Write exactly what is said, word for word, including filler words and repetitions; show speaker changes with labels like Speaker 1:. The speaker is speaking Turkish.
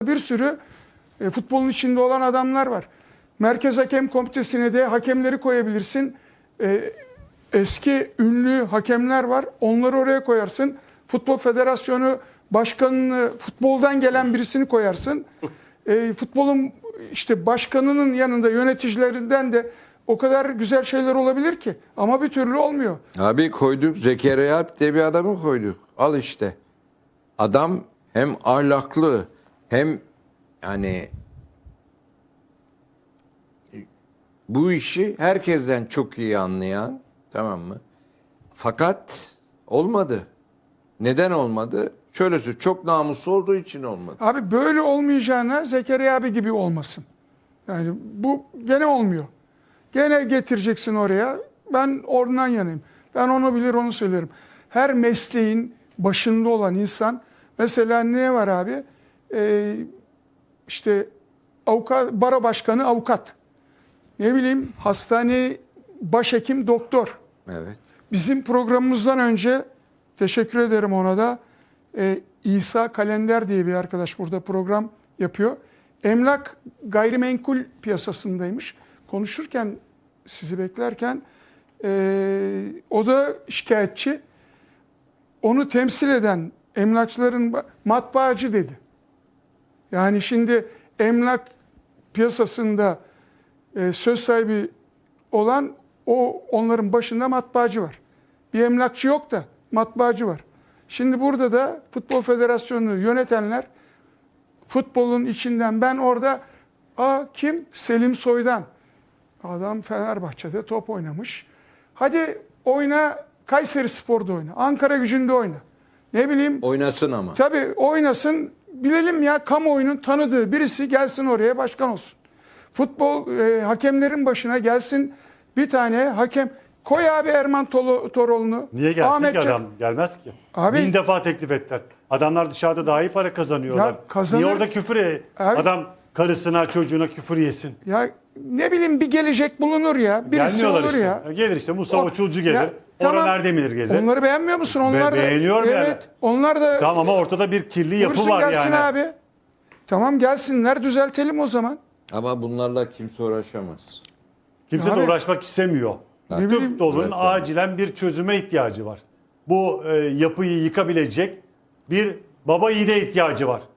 Speaker 1: Bir sürü e, futbolun içinde olan adamlar var. Merkez Hakem Komitesi'ne de hakemleri koyabilirsin. E, eski ünlü hakemler var. Onları oraya koyarsın. Futbol Federasyonu Başkanı'nı, futboldan gelen birisini koyarsın. E, futbolun işte başkanının yanında yöneticilerinden de o kadar güzel şeyler olabilir ki. Ama bir türlü olmuyor.
Speaker 2: Abi koyduk, Zekeriya Alp diye bir adamı koyduk. Al işte. Adam hem ahlaklı hem yani bu işi herkesten çok iyi anlayan, tamam mı? Fakat olmadı. Neden olmadı? Şöyle söyleyeyim, çok namuslu olduğu için olmadı.
Speaker 1: Abi böyle olmayacağına Zekeriya abi gibi olmasın. Yani bu gene olmuyor. Gene getireceksin oraya. Ben oradan yanayım. Ben onu bilir onu söylerim. Her mesleğin başında olan insan, mesela ne var abi? Ee, işte avukat, bara başkanı avukat. Ne bileyim hastane başhekim doktor.
Speaker 2: Evet.
Speaker 1: Bizim programımızdan önce teşekkür ederim ona da. Ee, İsa Kalender diye bir arkadaş burada program yapıyor. Emlak gayrimenkul piyasasındaymış. Konuşurken sizi beklerken e, o da şikayetçi. Onu temsil eden emlakçıların matbaacı dedi. Yani şimdi emlak piyasasında e, söz sahibi olan o onların başında matbaacı var. Bir emlakçı yok da matbaacı var. Şimdi burada da Futbol Federasyonu'nu yönetenler futbolun içinden ben orada a kim? Selim Soydan. Adam Fenerbahçe'de top oynamış. Hadi oyna Kayserispor'da oyna. Ankara Gücü'nde oyna. Ne bileyim.
Speaker 2: Oynasın ama.
Speaker 1: Tabii oynasın. Bilelim ya kamuoyunun tanıdığı birisi gelsin oraya başkan olsun. Futbol e, hakemlerin başına gelsin bir tane hakem. Koy abi Erman Tolo, Toroğlu'nu.
Speaker 3: Niye gelsin
Speaker 1: Ahmet
Speaker 3: ki
Speaker 1: Can-
Speaker 3: adam? Gelmez ki.
Speaker 1: Abi-
Speaker 3: Bin defa teklif ettiler. Adamlar dışarıda daha iyi para kazanıyorlar.
Speaker 1: Ya kazanır-
Speaker 3: Niye orada küfür e-
Speaker 1: Abi-
Speaker 3: Adam karısına çocuğuna küfür yesin.
Speaker 1: Ya ne bileyim bir gelecek bulunur ya. Birisi
Speaker 3: Gelmiyorlar
Speaker 1: olur
Speaker 3: işte.
Speaker 1: ya.
Speaker 3: Gelir işte Mustafa
Speaker 1: O-
Speaker 3: Çulcu gelir.
Speaker 1: Ya,
Speaker 3: Orhan
Speaker 1: tamam.
Speaker 3: Erdemir gelir.
Speaker 1: Onları beğenmiyor musun? Onlar da,
Speaker 3: beğeniyorum
Speaker 1: evet,
Speaker 3: yani.
Speaker 1: Onlar da
Speaker 3: Tamam ama ortada bir kirli yapı
Speaker 1: buyursun
Speaker 3: var
Speaker 1: gelsin
Speaker 3: yani.
Speaker 1: abi. Tamam gelsinler düzeltelim o zaman.
Speaker 2: Ama bunlarla kimse uğraşamaz.
Speaker 3: Kimse
Speaker 1: Abi-
Speaker 3: de uğraşmak istemiyor.
Speaker 1: Ne bileyim-
Speaker 3: Türk futbolunun
Speaker 2: Evet, evet.
Speaker 3: acilen bir çözüme ihtiyacı var. Bu e, yapıyı yıkabilecek bir baba yiğide ihtiyacı var.